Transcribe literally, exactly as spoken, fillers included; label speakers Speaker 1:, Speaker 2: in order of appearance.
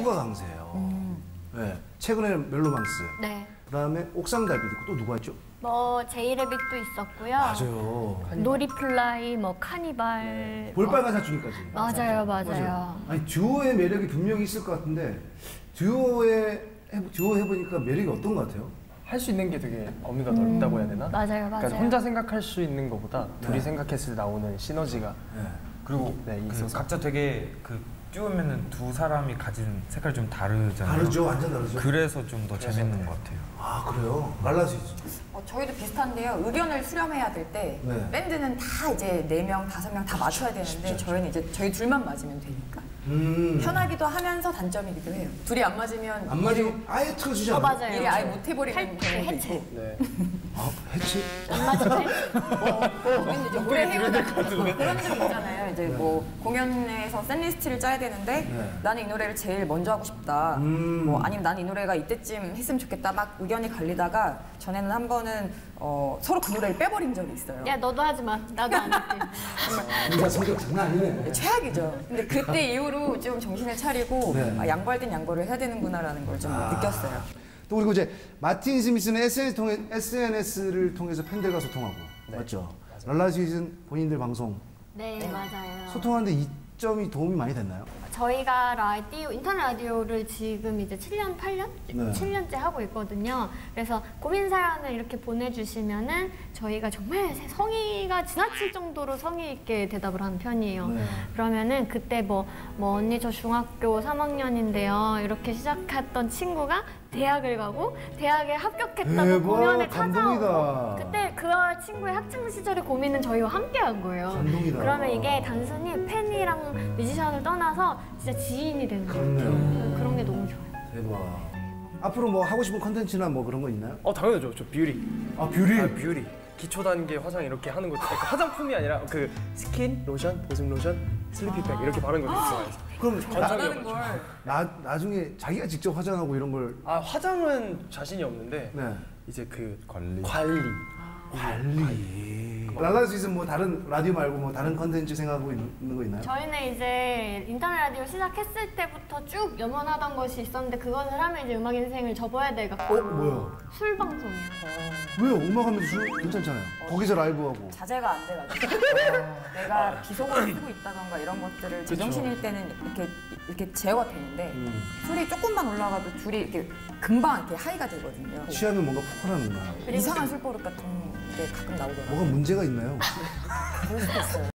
Speaker 1: 피부가 강세예요. 음. 네. 최근에 멜로망스.
Speaker 2: 네.
Speaker 1: 그다음에 옥상 달빛 있고 또 누가 있죠?
Speaker 2: 뭐 제이레빗도 있었고요.
Speaker 1: 맞아요.
Speaker 2: 놀이플라이, 뭐 카니발.
Speaker 1: 볼빨간 사춘기까지.
Speaker 2: 맞아요, 맞아요,
Speaker 1: 맞아요. 아니 듀오의 매력이 분명히 있을 것 같은데 듀오에 해, 듀오 해보니까 매력이 어떤 것 같아요?
Speaker 3: 할 수 있는 게 되게 어미가 음, 넓다고 해야 되나?
Speaker 2: 맞아요, 맞아요.
Speaker 3: 그러니까 혼자 생각할 수 있는 것보다 네. 둘이 생각했을 때 나오는 시너지가
Speaker 4: 네. 그리고
Speaker 3: 네,
Speaker 4: 그
Speaker 3: 있어서
Speaker 4: 각자 되게 그 띄우면은 두 사람이 가진 색깔이 좀 다르잖아요.
Speaker 1: 다르죠, 완전 다르죠.
Speaker 4: 그래서 좀 더 재밌는 것 같아요.
Speaker 1: 아 그래요? 갈라지죠.
Speaker 5: 어, 저희도 비슷한데요. 의견을 수렴해야 될 때 네. 밴드는 다 이제 네 명, 다섯 명 다 맞춰야 되는데 쉽죠, 저희는 이제 저희 둘만 맞으면 되니까 음. 편하기도 하면서 단점이기도 해요. 둘이 안 맞으면
Speaker 1: 안 맞으면 아예 틀어주지 않아요?
Speaker 2: 어, 맞아요.
Speaker 5: 일이 아예 못 해버리는 경우도
Speaker 2: 해체.
Speaker 5: 있고.
Speaker 3: 네.
Speaker 1: 아 해체?
Speaker 2: 안 맞으면
Speaker 5: 우리는 이제 오래 해오다 그런 적 있잖아요. 이제 네. 뭐 공연에서 셋리스트를 짜야 되는데 네. 나는 이 노래를 제일 먼저 하고 싶다. 음. 뭐 아니면 나는 이 노래가 이때쯤 했으면 좋겠다. 막 의견이 갈리다가 전에는 한 번은 어, 서로 그 노래를 빼버린 적이 있어요.
Speaker 2: 야 너도 하지 마. 나도 안 할게.
Speaker 1: 진짜 성격 장난 아니네.
Speaker 5: 최악이죠. 근데 그때 이후로 좀 정신을 차리고 네. 아, 양보할 땐 양보를 해야 되는구나라는 걸 좀 아. 느꼈어요.
Speaker 1: 또 그리고 이제 마틴 스미스는 에스엔에스 통해, 에스엔에스를 통해서 팬들과 소통하고 네. 맞죠? 랄라시즌 본인들 방송
Speaker 2: 네, 네 맞아요.
Speaker 1: 소통하는데 이 점이 도움이 많이 됐나요?
Speaker 2: 저희가 라디오, 인터넷 라디오를 지금 이제 칠 년, 팔 년?
Speaker 1: 네.
Speaker 2: 칠 년째 하고 있거든요. 그래서 고민 사연을 이렇게 보내주시면은 저희가 정말 성의가 지나칠 정도로 성의 있게 대답을 하는 편이에요. 네. 그러면은 그때 뭐, 뭐 언니 저 중학교 삼 학년인데요. 이렇게 시작했던 친구가 대학을 가고 대학에 합격했다고
Speaker 1: 대박,
Speaker 2: 공연에
Speaker 1: 감동이다.
Speaker 2: 찾아오고 그때 그 친구의 학창 시절의 고민은 저희와 함께 한 거예요.
Speaker 1: 감동이다.
Speaker 2: 그러면 이게 단순히 팬이랑 뮤지션을 떠나서 진짜 지인이 되는 거예요. 그런 게 너무 좋아요.
Speaker 1: 대박. 앞으로 뭐 하고 싶은 컨텐츠나 뭐 그런 거 있나요?
Speaker 3: 어 당연하죠. 저 뷰리.
Speaker 1: 아 뷰리?
Speaker 3: 아 뷰리. 기초 단계 화장 이렇게 하는 거 그러니까 화장품이 아니라 그 스킨, 로션, 보습 로션, 슬리피백 아 이렇게 바르는 거 되게 좋아해요.
Speaker 1: 그럼
Speaker 5: 관상하는 걸
Speaker 1: 나 나중에 자기가 직접 화장하고 이런 걸
Speaker 3: 아 화장은 자신이 없는데
Speaker 1: 네.
Speaker 3: 이제 그
Speaker 4: 관리
Speaker 3: 관리
Speaker 1: 아, 관리. 랄라시즌 뭐 다른 라디오 말고 뭐 다른 컨텐츠 생각하고 있는 거 있나요?
Speaker 2: 저희는 이제 인터넷 라디오 시작했을 때부터 쭉 염원하던 것이 있었는데 그것을 하면 이제 음악 인생을 접어야 돼갖고
Speaker 1: 어? 뭐야?
Speaker 2: 술 방송이요.
Speaker 1: 왜요? 음악하면서 술 괜찮잖아요. 어. 거기서 라이브하고.
Speaker 5: 자제가 안 돼가지고 내가 비속어를 쓰고 있다던가 이런 것들을 제정신일 때는 이렇게 이렇게 제어가 되는데 음. 술이 조금만 올라가도 둘이 이렇게 금방 이렇게 하이가 되거든요.
Speaker 1: 취하면 뭔가 폭발하는구나.
Speaker 5: 이상한 술버릇 같은 게 가끔 나오더라고요.
Speaker 1: 뭐가 문제가 있나요?
Speaker 5: 그럴 수도 있어요.